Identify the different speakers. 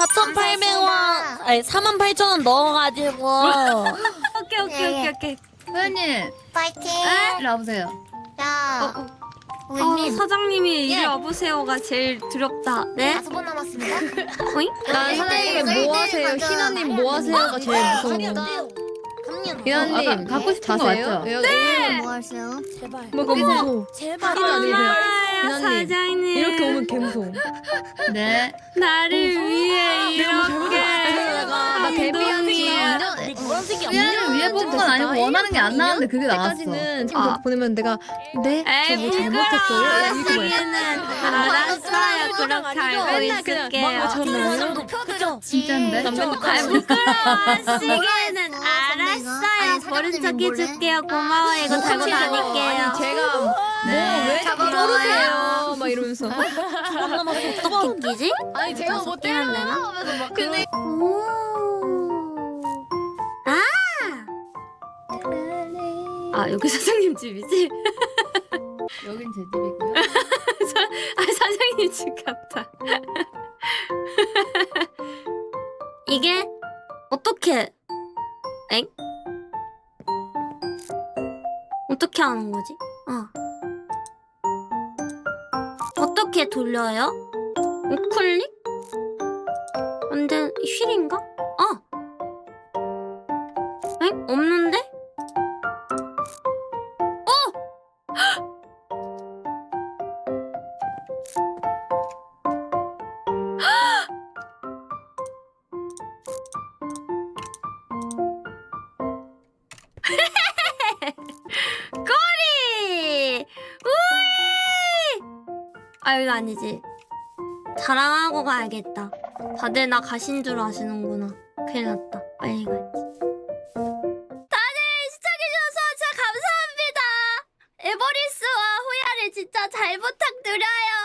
Speaker 1: 4,800원 아니 48,000원 넣어가지고
Speaker 2: 오케이.
Speaker 3: 회원님
Speaker 4: 파이팅.
Speaker 3: 일로 와보세요.
Speaker 4: 자, 우리님
Speaker 2: 사장님이 이리 와보세요가 제일 두렵다. 네?
Speaker 4: 5번 남았습니다.
Speaker 2: 오잉?
Speaker 5: 난 사장님이 뭐 하세요? 희나님 뭐 하세요가 제일 무서워. 희나님
Speaker 3: 갖고 싶은 거 맞죠?
Speaker 5: 네.
Speaker 4: 뭐 하세요?
Speaker 1: 제발
Speaker 5: 뭐가 무서워.
Speaker 1: 제발
Speaker 5: 희나님.
Speaker 2: 고마워요, 사장님.
Speaker 5: 이렇게 오면 개 무서워.
Speaker 3: 네.
Speaker 2: 나를 위해 이렇게
Speaker 5: 나 데뷔하기
Speaker 1: 노란색이
Speaker 3: 회원을 위해 뽑은 건 아니고 원하는 게 안 나왔는데 그게 나왔어.
Speaker 5: 때까지는 친구 보내면 내가 네?
Speaker 2: 에이,
Speaker 5: 저 뭐 잘못했어요? 이렇게 말해.
Speaker 2: 알았어요. 그렇게 알고 있을게요.
Speaker 1: 좀 높여드려
Speaker 3: 진짠데?
Speaker 2: 시계는 알았어요. 모른 척 해줄게요. 고마워요. 이거 달고 다닐게요.
Speaker 5: 제가
Speaker 3: 네.
Speaker 5: 왜 모르세요? 막 이러면서.
Speaker 1: 두번 남았어 어떻게 끼지?
Speaker 5: 아니 제가 뭐 때리면 되나? 하면서 막 근데
Speaker 2: 여기 사장님 집이지?
Speaker 3: 여긴 제 집이고요.
Speaker 2: 사장님 집 같다. 이게 어떻게? 엥? 어떻게 하는 거지? 어떻게 돌려요? 우클릭? 근데 휠인가? 엥? 없는데? 꼬리! 우이! 이거 아니지. 자랑하고 가야겠다. 다들 나 가신 줄 아시는구나. 큰일 났다. 빨리 가야지. 다들 시청해주셔서 진짜 감사합니다. 에버리스와 호야를 진짜 잘 부탁드려요.